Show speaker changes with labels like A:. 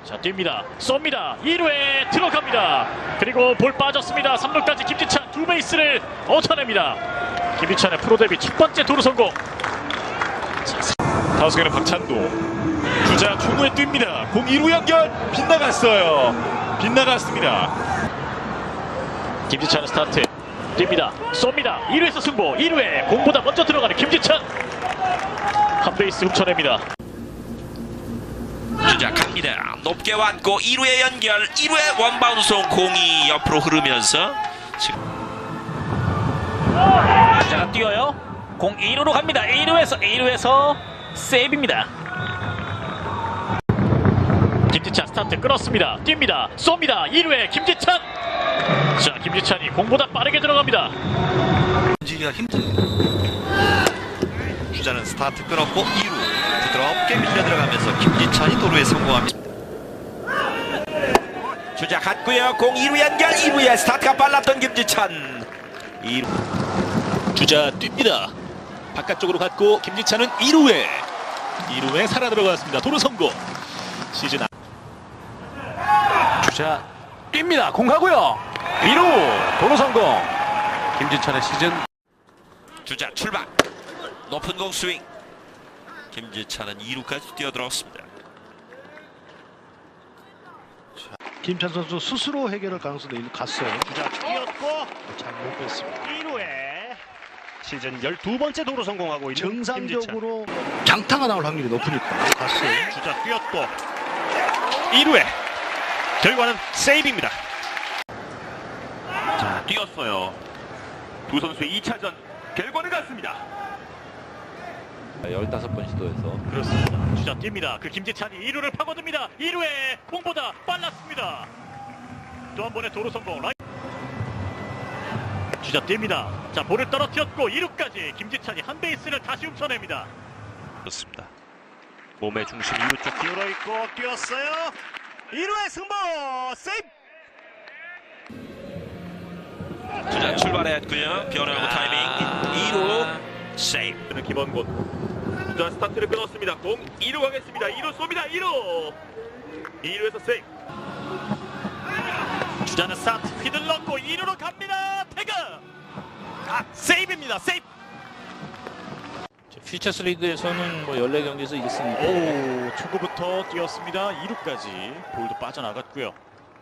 A: 자, 뜁니다. 쏩니다. 2루에 들어갑니다. 그리고 볼 빠졌습니다. 3루까지 김지찬 두 베이스를 얻어냅니다. 김지찬의 프로 데뷔 첫 번째 도루 성공.
B: 타석에는 박찬도, 주자 초구에 뜁니다. 공 2루 연결, 빗나갔어요. 빗나갔습니다.
A: 김지찬의 스타트. 뜁니다. 쏩니다. 2루에서 승부. 2루에 공보다 먼저 들어가는 김지찬. 한 베이스 훔쳐냅니다.
C: 주자 갑니다. 높게 왔고 2루에 연결. 2루에 원바운드 공이 옆으로 흐르면서 지금
A: 주자가 뛰어요. 공 2루로 갑니다. 2루에서 세이브입니다. 김지찬 스타트 끊었습니다. 뜁니다. 쏩니다. 2루에 김지찬. 자, 김지찬이 공보다 빠르게 들어갑니다.
D: 던지기가 힘듭니다. 주자는 스타트 끊었고 2루 부드럽게 밀려 들어가면서 김지찬이 도루에 성공합니다.
C: 주자 갔고요. 공 2루 연결. 2루에 스타트가 빨랐던 김지찬. 2루
E: 주자 뜁니다. 바깥쪽으로 갔고 김지찬은 2루에 살아 들어갔습니다. 도루 성공. 시즌
F: 주자 뜁니다. 공 가고요. 2루 도루 성공. 김지찬의 시즌.
C: 주자 출발. 높은 공 스윙. 김지찬은 2루까지 뛰어들었습니다.
G: 김찬 선수 스스로 해결할 가능성도 갔어요.
A: 주자 뛰었고
G: 잘 못 뺐습니다.
A: 2루에 시즌 12번째 도루 성공하고 있는
G: 정상적으로 장타가 나올 확률이 높으니까 갔어요.
A: 김지찬. 주자 뛰었고 2루에 결과는 세이브입니다.
B: 자, 뛰었어요. 두 선수의 2차전 결과는 같습니다.
F: 15번 시도해서
A: 그렇습니다. 주자 뜁니다. 그 김지찬이 2루를 파고듭니다. 2루에 공보다 빨랐습니다. 또 한 번의 도루 성공. 주자 뜁니다. 자, 볼을 떨어뜨렸고 2루까지 김지찬이 한 베이스를 다시 훔쳐냅니다. 그렇습니다. 몸의 중심 2루 쪽 기울어 있고 뛰었어요. 2루의 승부 세이브.
C: 주자 출발했고요. 변화구 타이밍. 2루 세이브.
B: 김원곤. 주자 스타트를 끊었습니다. 공 2루 가겠습니다. 2루 쏩니다. 2루에서 세이브.
A: 주자는 스타트 휘둘렀고 2루로 갑니다. 태그. 세이브입니다. 세이브.
E: 퓨처스 리그에서는 14경기에서 이겼으니까
A: 오, 초구부터 뛰었습니다. 2루까지 볼도 빠져나갔고요.